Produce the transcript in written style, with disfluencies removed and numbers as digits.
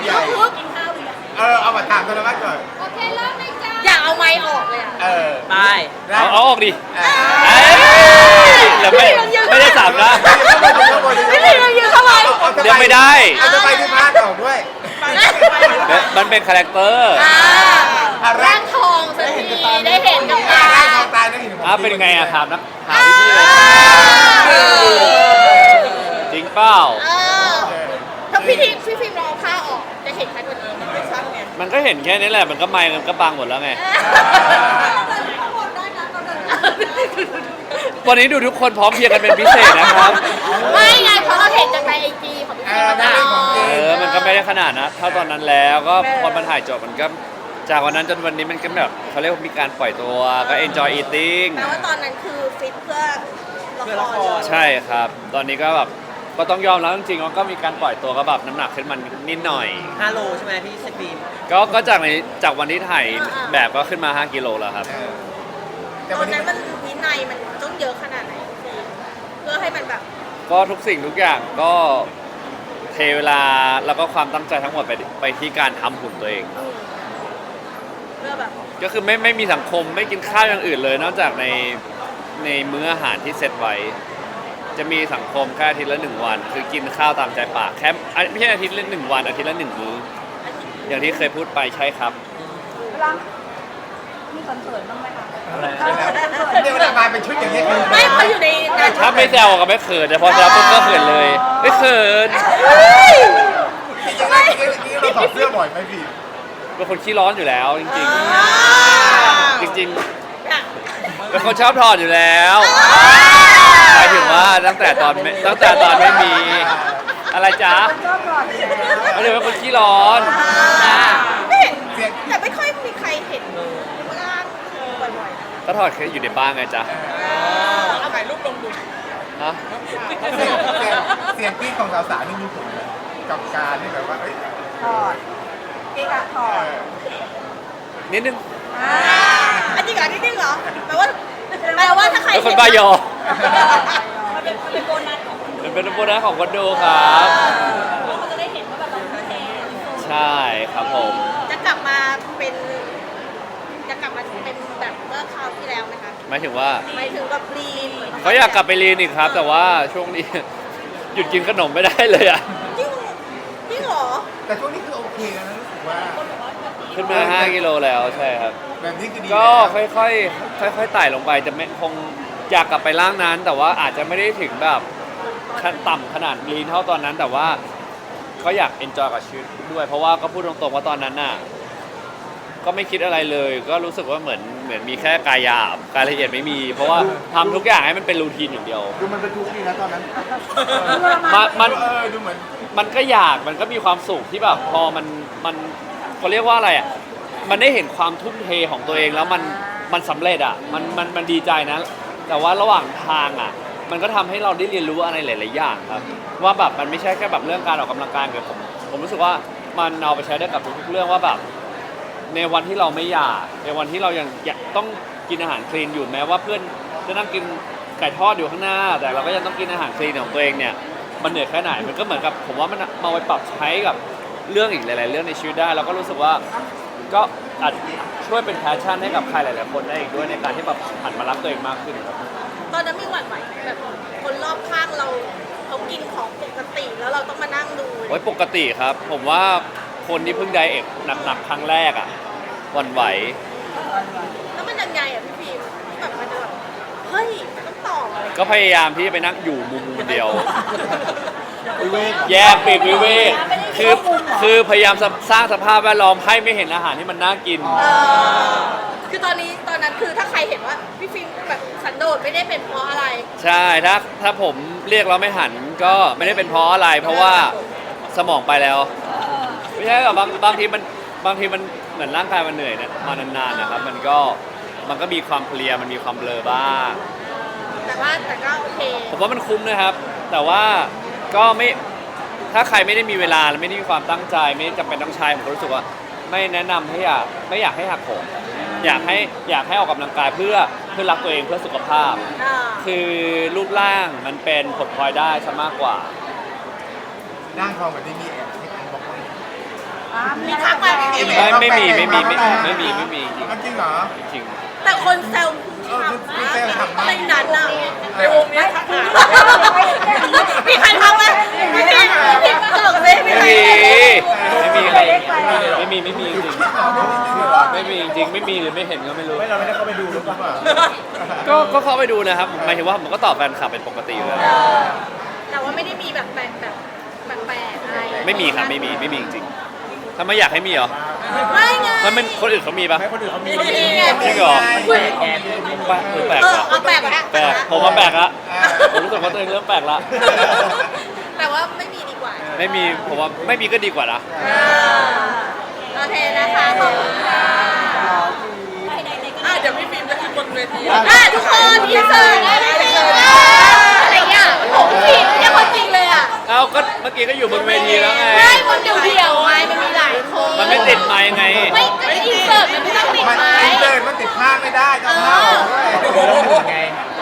ใหญ่เอามาถามกันแล้วก่อนโอเคเริ่มเลยจ้าอยากเอาไม้ออกเลยอ่ะไปได้เอาออกดิเออแล้วไม่ได้สับนะพี่พีเรายืนเข้าไปเดี๋ยวไม่ได้เอาจะไปที่ภาคออกด้วยมันเป็นคาแรคเตอร์ร่างทองสักทีได้เห็นกับตาร่างทองตายนั่นเห็นผมเป็นไงอะถามนะถามพี่เลยจริงเปล่าถ้าพี่ฟิล์มลองเอาผ้าออกจะเห็นชัดกว่านี้ไม่ชัดไงมันก็เห็นแค่นี้แหละมันก็ไมค์มันก็บังหมดแล้วไงวันนี้ดูทุกคนพร้อมเพรียงกันเป็นพิเศษนะครับไม่ไงเพราะเราเห็นจากในไอจีของพี่ฟิล์มมาตลอดมันก็ไม่ได้ขนาดนะเท่าตอนนั้นแล้วก็พอมันถ่ายจบมันก็จากวันนั้นจนวันนี้มันก็แบบเขาเรียกว่ามีการปล่อยตัวก็ enjoy eating แปลว่าตอนนั้นคือฟิตเพื่อละครใช่ครับ ตอนนี้ก็แบบก็ต้องยอมแล้วจริงๆว่าก็มีการปล่อยตัวก็แบบน้ำหนักขึ้นมานิดหน่อย 5 โลใช่ไหมพี่สปีนก็จากวันที่ถ่ายแบบก็ขึ้นมา5กิโลแล้วครับแต่ตอวันนนี้นั้นมันวินัยมันต้องเยอะขนาดไหนฟิล์มเพื่อให้มันแบบก็ทุกสิ่งทุกอย่างก็เทเวลาแล้วก็ความตั้งใจทั้งหมดไปที่การทำหุ่นตัวเองเพื่อแบบก็คือไม่มีสังคมไม่กินข้าวอย่างอื่นเลย นอกจากในมื้ออาหารที่เซตไว้ จะมีสังคมแค่อาทิตย์ละ1 วัน คือกินข้าวตามใจปากแค่ไม่ใช่อาทิตย์ละ1 วันอาทิตย์ละ1 มื้ออย่างที่เคยพูดไปใช่ครับเวลามีคอนเสิร์ตบ้างไหมคะอะไรเดี๋ยวเวลามาเป็นชุดอย่างนี้คือไม่เขาอยู่ในนั้นถ้าไม่แซวก็ไม่เขินแต่พอแซวปุ๊บก็เขินเลยไม่เขินจริงๆเราถอดเสื้อบ่อยไหมพี่เป็นคนขี้ร้อนอยู่แล้วจริงๆจริงๆเป็นคนชอบถอดอยู่แล้วหมายถึงว่าตั้งแต่ตอนไม่มีอะไรจ๊ะชอบก่อนอยู่แล้วไม่ได้เป็นคนขี้ร้อนไม่เห็นแต่ไม่ค่อยมีใครเห็นร่างบ่อยๆก็ถอดแค่อยู่ในบ้านไงจ๊ะเอาถ่ายรูปลงดูฮะเสียงกรี๊ดของสาวๆนี่มีผลไหมกับการที่แบบว่าเอ้ยถอดเอกะถอดนิดนึงอันจริงเหรอนิดนึงเหรอแปลว่าถ้าใครเป็นคนบ้ายอมันเป็นโบนัสของคนมันเป็นโบนัสของคนดูครับเราก็จะได้เห็นว่าแบบเราทุ่มเทใช่ครับผมจะกลับมาเป็นแบบเมื่อคราวที่แล้วไหมคะหมายถึงว่าหมายถึงกับลีนเขาอยากกลับไปเรียนอีกครับ แต่ว่าช่วงนี้ หยุดกินขนมไม่ได้เลยอ่ะจริงเหรอแต่ช่วงนี้คือโอเคแล้วนะรู้สึกว่าขึ้นมา5 กิโลแล้วใช่ครับแบบนี้คือดีก็แล้วค่อยๆไต่ลงไปจะไม่คงอยากกลับไปร่างนั้น แต่ว่าอาจจะไม่ได้ถึงแบบขั้นต่ำขนาดลีนเท่าตอนนั้น แต่ว่าก็อยากเอนจอยกับชีวิตด้วย เพราะว่าก็พูดตรงๆว่าตอนนั้นน่ะก็ไม่คิดอะไรเลย ก็รู้สึกว่าเหมือนมีแค่กายหยาบกายละเอียดไม่มี เพราะว่าทำทุกอย่างให้มันเป็นรูทีนอย่างเดียวดูมันเป็นทุกข์ดีนะตอนนั้นมันดูเหมือนมันก็อยากมันก็มีความสุขที่แบบพอมันเขาเรียกว่าอะไรอ่ะมันได้เห็นความทุ่มเทของตัวเองแล้วมันสำเร็จอ่ะมันดีใจนะ แต่ว่าระหว่างทางอ่ะมันก็ทำให้เราได้เรียนรู้อะไรหลายๆอย่างครับว่าแบบมันไม่ใช่แค่แบบเรื่องการออกกำลังกายแต่ผมรู้สึกว่ามันเอาไปใช้ได้กับทุกๆเรื่องว่าแบบในวันที่เราไม่อยากในวันที่เรายังอยากต้องกินอาหารคลีนอยู่แม้ว่าเพื่อนจะนั่งกินไก่ทอดอยู่ข้างหน้า แต่เราก็ยังต้องกินอาหารคลีนของตัวเองเนี่ยมันเหนื่อยแค่ไหนมันก็เหมือนกับผมว่ามันมาไปปรับใช้กับเรื่องอีกหลายๆเรื่องในชีวิตได้แล้วก็รู้สึกว่าก็อาจช่วยเป็นแพชชั่นให้กับใครหลายๆคนได้อีกด้วยในการที่แบบหันมารักตัวเองมากขึ้นครับตอนนั้นมีหวั่นไหวไหมแบบคนรอบข้างเราเขากินของปกติแล้วเราต้องมานั่งดูโอ้ยปกติครับ ผมว่าคนที่เพิ่งไดเอทหนักๆครั้งแรกอ่ะหวั่นไหวแล้วมันยังไงอ่ะพี่ฟิล์มที่แบบมันจะแบบเฮ้ยมันต้องตอบอะไรก็พยายามที่จะไปนั่งอยู่มุมเดียว แยกปีกวิเวกคือพยายามสร้างสภาพแวดล้อมให้ไม่เห็นอาหารที่มันน่ากินคือตอนนั้นคือถ้าใครเห็นว่าพี่ฟิล์มแบบสันโดษไม่ได้เป็นเพราะอะไรใช่ถ้าผมเรียกเราไม่หันก็ไม่ได้เป็นเพราะอะไร เพราะว่าสมองไปแล้ว ไม่ใช่หรอกบางทีมันเหมือนร่างกายมันเหนื่อยเนี่ยมานานๆนะครับมันก็มีความเพลียมันมีความเบลอบ้างแต่ก็โอเคผมว่ามันคุ้มนะครับ แต่ว่าก็ไม่ถ้าใครไม่ได้มีเวลาและไม่ได้มีความตั้งใจไม่จำเป็นต้องใช้ผมก็รู้สึกว่าไม่แนะนำให้ไม่อยากให้หักโหมอยากให้ออกกำลังกายเพื่อรักตัวเองเพื่อสุขภาพ คือรูปร่างมันเป็นผลพลอยได้ซะมากกว่าร่างทองแบบนี้มีแอบให้ใครบอกว่ามีทักมาไหมไม่มีจริงจริงเหรอจริงแต่คนแซวในนั้นอะในวงเนี้ยทักมามีใครทักไหมไม่มีพี่ตลกเลยมีใครไม่มีจริงไม่มีหรือไม่เห็นก็ไม่รู้เราไม่ได้เข้าไปดูหรือเปล่าก็เข้าไปดูนะครับหมายถึงว่าผมก็ตอบแฟนคลับเป็นปกติอยู่แล้วแต่ว่าไม่ได้มีแบบแปลกอะไรไม่มีครับไม่มีจริงๆถ้าไม่อยากให้มีเหรอไม่ไงมันคนอื่นเขามีปะให้คนอื่นเขามีไงจริงเหรอ แปลกเอาแปลกไหมแปลกผมว่าแปลกละผมรู้สึกว่าตัวเองเริ่มแปลกละแต่ว่าไม่มีดีกว่าไม่มีผมว่าไม่มีก็ดีกว่านะโอเคนะคะขอบคุณค่ะเดี๋ยวพี่ฟิล์มจะขึ้นบนเวทีทุกคนอินเสิร์ตได้ไหมอะไรเงี้ยผมผิดเนี่ยคนจริงเลยอ่ะเอาก็เมื่อกี้ก็อยู่บนเวทีแล้วไงไม่คนเดียวไงมันมีหลายคนมันไม่ติดไมค์ไงไม่ก็อินเสิร์ตมันไม่ต้องติดมันไม้เลยมันติดผ้าไม่ได้จะผ้าออกด้วยไง